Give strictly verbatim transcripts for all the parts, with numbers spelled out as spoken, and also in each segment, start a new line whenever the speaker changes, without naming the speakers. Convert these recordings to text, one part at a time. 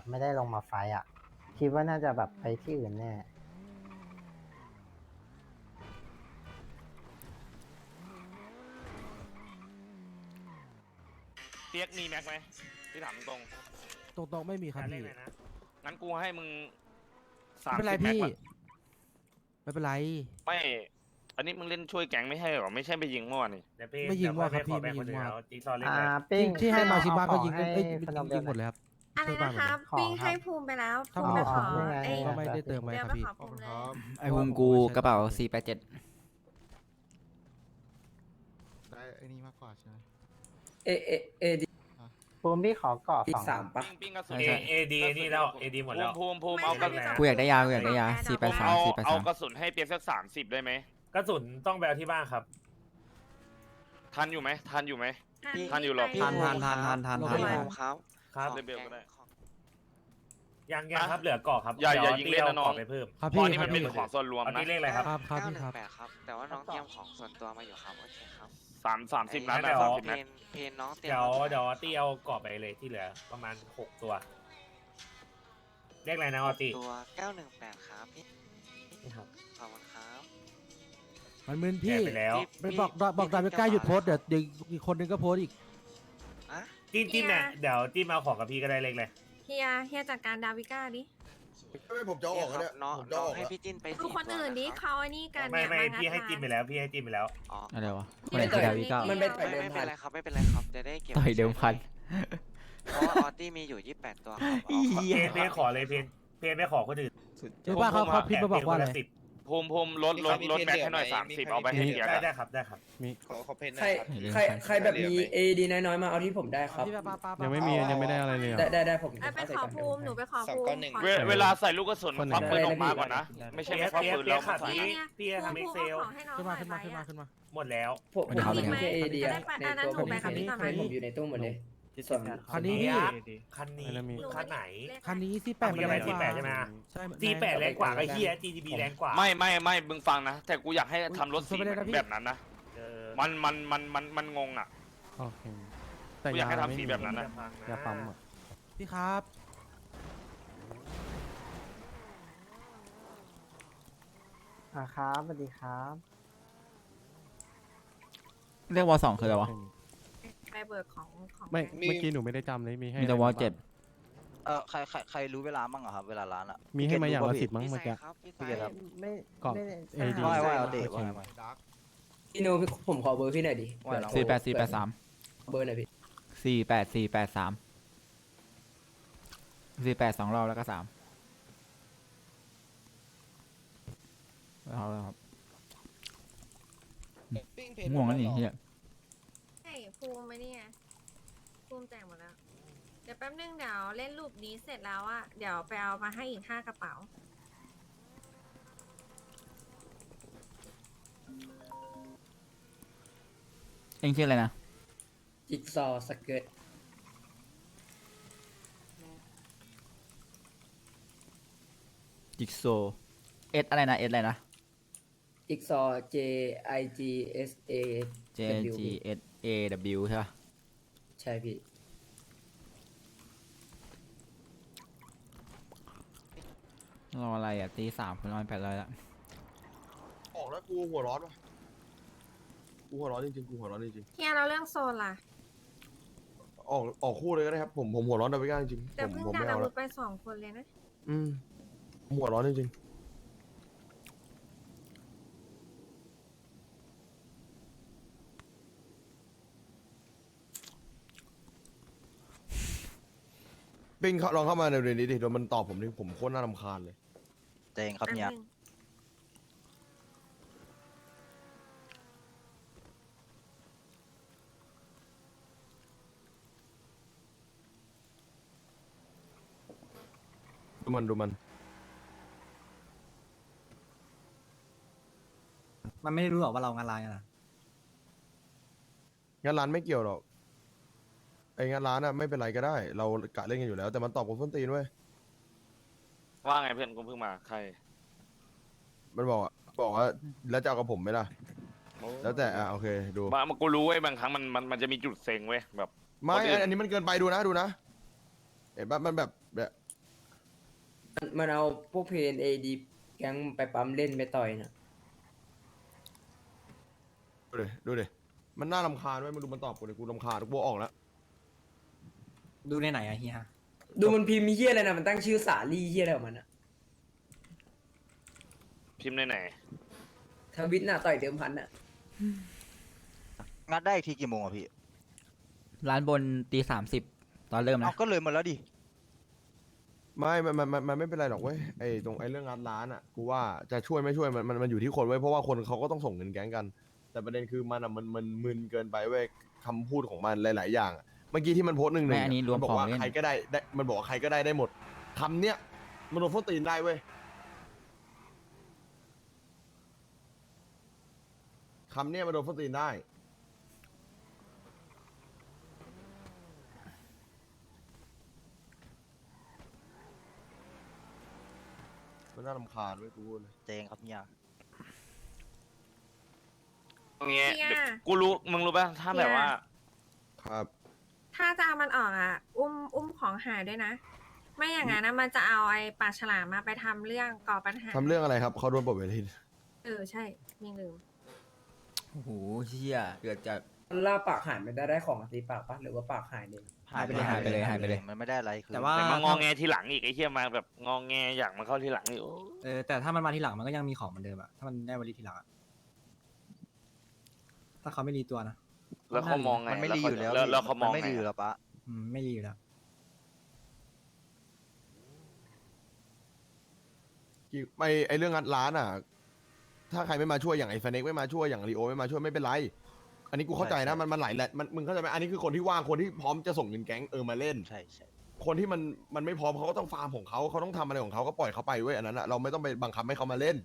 ไม่ได้ลงมาไฟอ่ะคิดว่าน่าจะแบบไปที่อื่นแน่
เปียกมีแม็กไหมพี่ถามตรง
ตรงๆไม่มีครับพี่
งั้นกูให้มึงสา
ไม่
ม
เป็นไร
สิบแม็ก
พี่
ก่อน
ไม่เป็นไร
ไม่ อันนี้มึงเล่นช่วยแก๊งไม่ใช่หรอไม่ใช่ไปยิงเมื่อวานนี่
ไม่ยิงว่าครับพี่ไม่ยิงว่า
อ่าปิ้ง
ที่ให้มาชิบ้าก็ยิง
ให้
เอ้ย
ขนม
ยิงหมดเลยครับ
อะไร
ช่วยบ้า
นะ
นหม
ค
ด
รั
เลย
บปิ้งให้ภูมิไปแล้ว
ถ้า
ภูมิไปขอ
ไม่ไง
ไอ้
ก็ไม่ได้เติมไว้
เดี๋
ค
ยว
รับ
ไป
พี่
ขอภูมิเลย
ไอภูมิกูกระเป๋าสี่แปดเจ็ด
ได้ไอ้นี่มากกว่าใช่ไหม
เอเอเอดี
ภูมิพี่ขอเกาะ
อี
ส
ก
อง
สามปะ
ปิ้งปิ้งกระสุน
เอเอดีนี่แล้วเอดีหมดแล้ว
ภูมิภูมิภูมิเอากระสุน
ไม่กูอยากได้ยากูอยากได้ยาสี่แปดสาม
เอา
สี่แปด
เอา
สาม
กระสุนให้เปียกสักสามสิบได้ไหม
กระสุนต้องไปเอาที่บ้านครับ
ทันอยู่ไหมทันอยู่ไหม
พี่
ทันอยู่หรอ
ไป
ทานทานทานทานทาน
ลง
ทา
ไป
น
เลย
ครับครับ
เล่นเบลก็ได้
ยังยังครับเหลือเกาะครับ
อย่าอย่า
ดี๋ว
ยิงเล่นนะน้อง
าเกาไปเพิ่ม
ครับ
เพ
พี่
ราะนี่
ค
มั
รับ
นเป็น
พี่
ของส่วนรวม
เอา
นะ
ที่เลขอะไรครับ
ครับครับพี่ครับ
ครับ แต่ว่าน้องเตรียมของส่วนตัวมาอยู่ครับ โอเคครับ
สามสามสิบนัด
เดี๋
นะ
ยว
สามสิบ
เพ
นัด
นเพนน้องเตรียม
เดี๋ยว
มา
เดี๋ยวอาร์ตี้เอาเกาะไปเลยที่เหลือประมาณหกตัวเลขอะไรนะอาร์ตี้
ตัวเก้าหนึ่งแปดครับพี่
นี่ครับ
ขอบคุณครับ
มันมึน
แจ
พี่
กไปแล้ว
ไปบอกบอกดาวิก้าหยุดโพสต์เดี๋ยวเดี๋ยวอีกคนนึงก็โพสต์อีก
อะ
จิ้มจิ้มเนี่ยเดี๋ยวจิ้มเอาของกับพี่ก็ได้เลขเลย
เฮียเฮียจัดการดาวิก้าดิ
ไม่ผมจะออกแล้วเนี่ย
น้อง
ผมจะ
น้อ
อง อก
ให้
แล้ว
พี่จิ้นไป
ดู
สี่
คน
ตัว
อื่นดิ
นะครับ
เขาไอ้นี่กัน
ไม่ไม่
เนี่ยางัด
พี่ให้จิ้มไปแล้วพี่ให้จิ้มไปแล้ว
อ๋อ
อะไรวะค
ที่
นไหน
เกิ
คือ
ด
ดาวิก้า
มันเป็น
ไม่
ต่อยเดิม
ไม่
พั
เป็น
น
ไรครับไม่เป็นไรครับ จะได้เก็บ
ต่อยเดิมพัน
เพราะว่าออตี้มีอยู่ยี่สิบแปดตัวครับเอา
เพนเพนขอเลยเพนเพนไม่ขอคนอื่น
หรือว่าเขาเขาพิมพ์มาบอกว่าอะไร
แปดเพนคนลสิบ
ภูมิภูมิลดลดลดแม็กให้หน่อยสามสิบเอาไปให้เปียก
ได้
อะ
ได้ครับได้ครับ
ขอขอเพน
ใครใครใครแบบมีเอดีน้อยๆมาเอาที่ผมได้ครับ
พี่ป้าป้าป้า
ยังไม่มียังไม่ได้อะไรเลย
ได้ได้ได้ผม
ไอ้ไปขอภูมิหนูไปขอ
สอง
ภู
ก้อน
มิ
หนึ่ง
ขอ
เวเวลาใส่ลูกกระสุนมันควักปืนออกมาก่อนนะ ไม่ใช่
เปีย
ไม่
ก
ควัก
เปียก
ปืน
เปีย
แล้ว
กขับนี้พี่จะทำเอ็กเซล
ขึ้นมาขึ้นมาขึ้นมาขึ้นมา
หมดแล้ว
ผมผม
ครับ
มีแค่เอดี
จะได้ไปอันนั้นหนูไปกับพี่ก่อนไหม
ผมอยู่ในตู้หมดเลยส่วน
คันนี้พี่
คันนี้
หนู
คันไหน
คันนี้ที่แปด
มึงจะไปที่แปดใช่ไหม
ใช่
จีแปดแรงกว่าก็เฮีย จี ดี บี แรงกว่า
ไม่ไม่ไม่มึงฟังนะ แต่กูอยากให้ทำรถสี
ไม่ได้นะพี่
แบบนั้นนะ
เออ
มันมันมันมันมันงงอ่ะ
โอเค
กูอยากให้ทำสีแบบนั้นนะ
อย่าปั๊มอ่ะ
พี่ครับ
อ่าครับสวัสดีครับ
เรียกวอสองคืออะไรวะ
ไปเบิกของของ
ไม่เมื่อกี้หนูไม่ได้จำเลยมีให้
มีแต่วอเจ็ด
เออใครใครใครรู้เวลาบ้างอะครับ เวลาร้านอะ
มีให้มาอย่างละสิบมั้ง
พี่
เมื่อ
ไซ
กี้
ครับพี่ไซ
พี่เกดครับ
ไม่
เกาะ
ไม่ได้
เอดี
ว่าไงว่าไง
ใช่
เอาเตะว่าไง
พี่โนพี่ผมขอเบอร์พี่หน่อยดิ
ว่าไงน้อง
สี่แปดสี่แปดสาม
เบอร์หน่อยพี่
สี่แปดสี่แปดสามสี่แปดสองรอบแล้วก็สามเอาแล้วครับง่วงแล้วนี่เฮีย
ใช่ภูมิไหมเนี่ยภูมิแจกหมดแล้ว เดี๋ยวแป๊บนึงเดี๋ยวเล่นรูปนี้เสร็จแล้วอะเดี๋ยวไปเอามาให้อีกห้ากระเป๋า
เอ็งชื่ออะไรนะ
จิ๊กซอว์สเกิร์ต
จิกโซเอสอะไรนะเอสอะไรนะ
จิ๊กซอว์ J I G S A
J G S A W ใช่ปะ
ใช่พี่
รออะไรอ่ะตีสามคุณร้อยแปดร้อยละ
ออกแล้วกูหัวร้อนวะกูหัวร้อนจริงๆกูหัวร้อนจริง
เฮียเราเรื่องโซนล่ะ
ๆออกออกคู่เลยก็ได้ครับผมผมหัวร้อนดาวิก้าจริง
แต่
ๆผม
เพิ่ง
ผม
การ
ไม่
อา
เอา
วุ
แล้
ธ
ว
ไปสองคนเลยนะ
อืมผมหัวร้อนจริงๆปิงเขาลองเข้ามาในเรื่องนี้ดิเดี๋ยวมันตอบผมดิผมโคตรน่ารำคาญเลย
เตงครับเนี่ย
แป๊บนึง
ดูมันดูมัน
มันไม่รู้หรอกว่าเรางานร้านกันนะ
งานร้านไม่เกี่ยวหรอกไอ้งานร้านอะไม่เป็นไรก็ได้ เรากะเล่นกันอยู่แล้ว แต่มันตอบกับส้นตีนเว้ย
ว่าไงเพื่อนกูเพิ่งมาใคร
มันบอกอะบอกว่าแล้วจะเอากับผมไหมล่ะ แล้วแต่อ่ะโอเคดู
บางกูรู้เว้ยบางครั้งมันมันมันจะมีจุดเซ็งเว้ยแบบ
ไม่
คนอื่น
อันอันนี้มันเกินไปดูนะดูนะเห็นปะมันแบบแบบ
มันมันเอาพวกเพนเอดีแก๊งไปปั๊มเล่นไปต่อยนะ
ดูดิดูดิมันน่ารำคาญไว้ยมึงดูมันตอบกูดิกูรำคาญกูออกแล้ว
ดูในไหนอะเฮีย
ดูมันพิมพ์มีเฮียอะไรนะมันตั้งชื่อสาลี่เฮียอะไรของมันอะ
พิมพ์ในไหน
ทวิตน่ะต่อยเดิมพันอะ
งัดได้อีกทีกี่โมงอะพี่
ร้านบนตีสามสิบตอนเริ่ม
เอา
นะ
ก็เลยหมดแล้วดิ
ไม่มันมันมันมันไม่เป็นไรหรอกเว้ยไอ้ตรงไอ้เรื่องงานร้านอ่ะกูว่าจะช่วยไม่ช่วยมันมันมันอยู่ที่คนเว้ยเพราะว่าคนเขาก็ต้องส่งเงินแก๊งกัน แต่ประเด็นคือมันอ่ะมันมันมึนเกินไปเว้ยคำพูดของมันหลายๆอย่างอะเมื่อกี้ที่มันโพสต์หนึ่งหนึ่
ไม่
ง
อันนี้รวม
บอ
ขอก ง
ว่า
เล่น
ใครก็ได้ได้มันบอกว่าใครก็ได้ได้หมดคำเนี้ยมันโดนโฟตีนได้เว้ยคำเนี้ยมันโดนโฟตีนได้มันน่ารำคาญเว้ยกูพูดเลย
เจงครับเฮีย
ตรงเนี้ย
เฮีย
เดี๋ยวกูรู้มึงรู้ป่ะถ้าแบบว่า
ครับ
ถ้าจะเอามันออกอ่ะ อุ้มอุ้มของหายด้วยนะ ไม่อย่างนั้นนะมันจะเอาไอ้ปลาฉลามมาไปทำเรื่องก่อปัญหา
ทำเรื่องอะไรครับเขาโดนปลดเวที
เออใช่มีลืม
โอ้โหเชี่ยเกิดจาก
มันล่าปากหายไม่ได้ได้ของตีปากปะหรือว่าปากหายเลย
หายไปเลยหายไปเลยหายไปเลย
มันไม่ได้อะไรคือ
แต่ว่า
แต่มางอแงทีหลังอีกไอ้เหี้ยมาแบบงอแงอยากมาเข้าทีหลังอีกโอ้
เออแต่ถ้ามันมาทีหลังมันก็ยังมีของเหมือนเดิมอะถ้ามันได้วลีทีหลังอะถ้าเขาไม่รีตัวนะ
แล้วเขามองไง
มันไม่ดีอยู่แล้ว
แล้วแล้วเขามอง
นไม่
ไง
ดีอยู่แล้วปะ
อืมไม่รีอยู่แล้ว
กี่ไอไอเรื่องงัดร้านอ่ะ ถ้าใครไม่มาช่วยอย่างไอฟเน็กไม่มาช่วยอย่างลีโอไม่มาช่วยไม่เป็นไร อันนี้กูเข้าใจนะมันมันหลายแหละมันมึงเข้าใจไหมอันนี้คือคนที่ว่างคนที่พร้อมจะส่งเงินแก๊งเออมาเล่น
ใช่ใช่
คนที่มันมันไม่พร้อมเขาก็ต้องฟาร์มของเขาเขาต้องทำอะไรของเขาก็ปล่อยเขาไปเว้ยอันนั้นอะเราไม่ต้องไปบังคับให้เขามาเล่น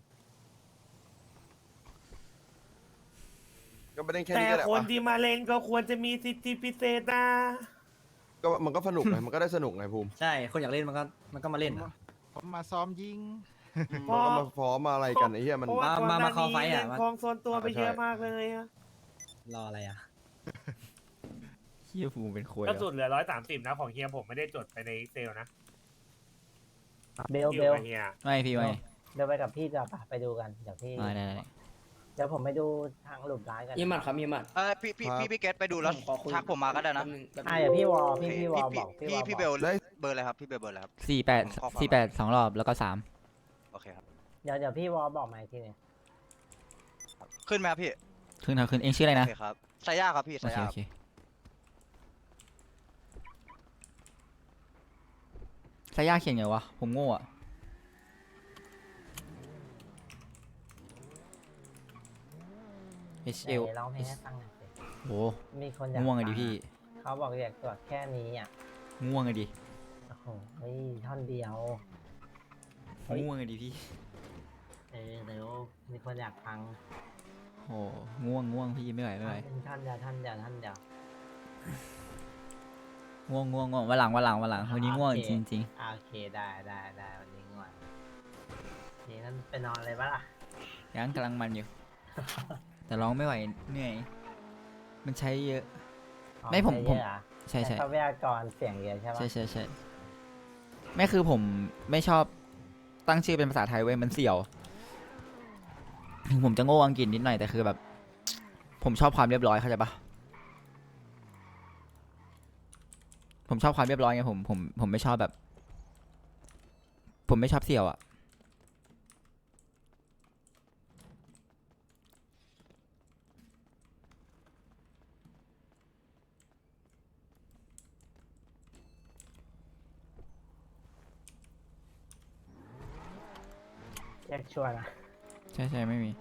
ก็ไม่ได้แค่
แต่
นี้ก็ได้
คน
ปะ
ที่มาเล่นก็ควรจะมีสิทธิพิเศษนะ
ก็มันก็สนุกไงมันก็ได้สนุกไงภูมิ
ใช่ คนอยากเล่นมันก็มันก็มาเล่นอะ
ผมมาซ้อมยิง
มันก็มาฟ้อมมาอะไรกันไอ้เหี้ยมัน
เพราะว่า
มา
ก่อนห
มา
น้า
เข้า
นี้
ไฟท์อะ
เล่น
มา
คลองโซนตัวไป
อ่าใช่
เยอะมากเลยอะ
รออะไรอะ
เชี่ยฟูเป็นโคย
ก็สุดเหลือร้อยสามสิบนะของเฮียผมไม่ได้จดไปในเซลนะ
เบล
คิ
เบ
ว
ล
กับเฮีย
ไม่พี่ไม่
เดี๋ยวไปกับพี่จะปะไปดูกันเดี๋ยวพี่
ไม่ได้ได้
เดี๋ยวผมไปดูทางหลุมร้านกัน
เฮียหมัดครับเฮียหมัด
เออพี่พี่พี่พี่เกตไปดูแล้ว
ขอคุย
ทักผมมาก็ได้นะ
แป๊บงแป๊บง
อ่ะเดี๋ยวพี่วอล
โอ
พี่
เค
พี่วอลบอก
พี่
พี่วอล
พี่
บ
เบ
อก
ลเบอร์อะไรครับพี่เบลเบอร์อะไรครับ
สี่แปด
ผมข้อความ
สี่แปดสองรอบแล้วก็สาม
โอเคครับ
เดี๋ยวเดี๋ยวพี่วอลบอกมาอีกทีหนึง
ขึ้นไหมครับพี่
ขึ้นครับขึ้นเองชื่ออะไร
โอ
นะ
เคครับสายยาครับพี่
โอ
สาย
เค
ยา
โอเคสายยาเขียนไงวะผมโง่อะ H
ไหน
L
ร้องเพลงให้ฟังหน่อยสิ
โห
มีคนอยาก
ง่วงไง
ฟั
ดิพี่
เขาบอกอยากตรวจแค่นี้อ่ะ
ง่วงไงดิ
โอ้โหเฮ้ยท่อนเดียว เฮ้ย
ง่วงไงดิพี่
เออเดี๋ยวมีคนอยากฟัง
โอ้ง่วงง่วงพี่ไม่ไหวไม่ไหว
เป็นท่อนเดียวท่อนเดียวท่อนเดียว
ง่วงง่วงง่วงวันหลังวันหลังวันหลังวันนี้ง่วง
โอเค
จริงจริง
อ่าโอเคได้ได้ได้วันนี้ง่วงนี่นั่นไปนอนเลยปะล่ะ
ๆยังกำลังมันอยู่ แต่ร้องไม่ไหวเหนื่อย มันใช้เยอะ
อ๋อ
ไม่ผม
ใช้
ผม
เยอะอะ
ใช่ใช่
ทรัพยากรเสียงเยอะใช่ปะ
ใช่ใช่ใช่ไม่คือผมไม่ชอบตั้งชื่อเป็นภาษาไทยเว้ยมันเสี่ยวถึงผมจะโง่อังกฤษนิดหน่อยแต่คือแบบ ผมชอบความเรียบร้อยเข้าใจปะผมชอบความเรียบร้อยไงผมผมผมไม่ชอบแบบ ผมไม่ชอบเสี่ยวอะ
แยกชัวร์นะ
ใช่ใช่ไม่มี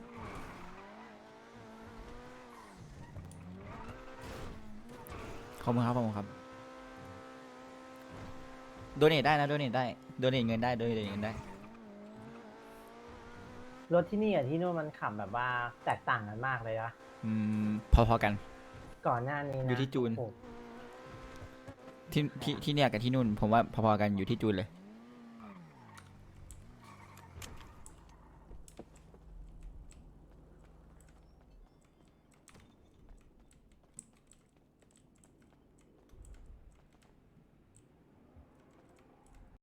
ขอบคุณครับขอบคุณครับโดเนทได้นะโดเนทได้โดเนทเงินได้โดเนทเงินได้
รถที่นี่กับที่นู่นมันขับแบบว่าแตกต่างกันมากเลยนะ
อืมพอๆกัน
ก่อนหน้านี้นะ
อยู่ที่จูน
โอ้โห
ที่ที่ที่เนี่ยกับที่นู่น ผมว่าพอๆกันอยู่ที่จูนเลย